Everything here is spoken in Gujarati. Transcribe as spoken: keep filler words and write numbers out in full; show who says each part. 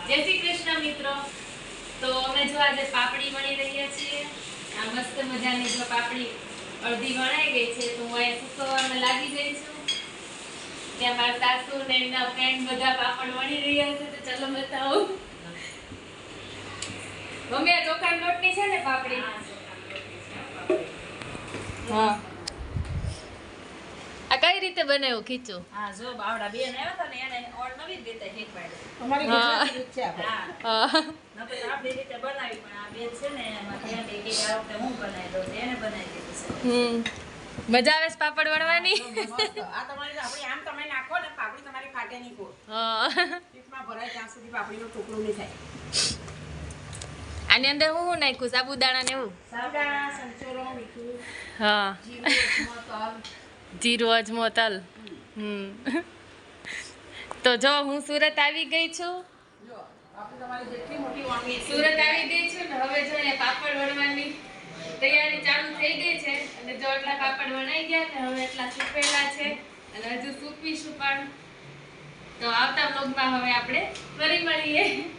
Speaker 1: જય શ્રી કૃષ્ણ મિત્રો. તો અમે જો આજે પાપડી વણી રહ્યા છીએ. આ મસ્ત મજાની જો પાપડી અડધી વણાઈ ગઈ છે તો હું અહીંયા સુકવવામાં લાગી ગઈ છું. ત્યાં મારા સાસુ ને એમના ફ્રેન્ડ બધા પાપડ વણી રહ્યા છે તો ચલો બતાવો. મમ્મી આ ચોખાના લોટની છે ને પાપડી? હા. આ કઈ રીતે બનાવ્યું ખીચું?
Speaker 2: હા જો બાવડા બેન આવ્યા હતા ને એને ઓર નવી રીતે શીખવાડ્યું.
Speaker 3: અમારી ગુજરાતી રીત છે આપણે.
Speaker 2: હા
Speaker 1: હા
Speaker 2: નકર આપણી રીતે બનાવી પણ આ બેન છે ને એમાં ત્યાં બે કે આ વખતે હું બનાવી દઉં તો એને બનાવી દીધું છે.
Speaker 1: હમ મજા આવે છે પાપડ વણવાની?
Speaker 3: મસ્ત. આ તમારી આપણી આમ તમે નાખો ને પાપડી તમારી ફાટે નહીં કો.
Speaker 1: હા.
Speaker 3: પીઠમાં ભરાય ત્યાં સુધી પાપડીનો ટુકડો નહીં થાય.
Speaker 1: આની અંદર હું શું નાખ્યું? સાબુદાણા ને એવું?
Speaker 3: સાબુદાણા, સંચોરો, મીઠું,
Speaker 1: હા.
Speaker 3: જીરું, અજમો, તલ.
Speaker 1: જીરું, અજમો, તલ. હમ તો જો હું સુરત આવી ગઈ છું.
Speaker 3: જો આપણે તમારી જેટલી મોટી વાનગી છે.
Speaker 1: સુરત આવી ગઈ છું ને હવે જો અહીંયા પાપડ વણવાની તૈયારી ચાલુ થઈ ગઈ છે અને જો એટલા પાપડ વણાઈ ગયા ને હવે એટલા સૂકવેલા છે અને હજુ સૂકવીશું પણ. તો આવતા વ્લોગમાં હવે આપણે ફરી મળીએ.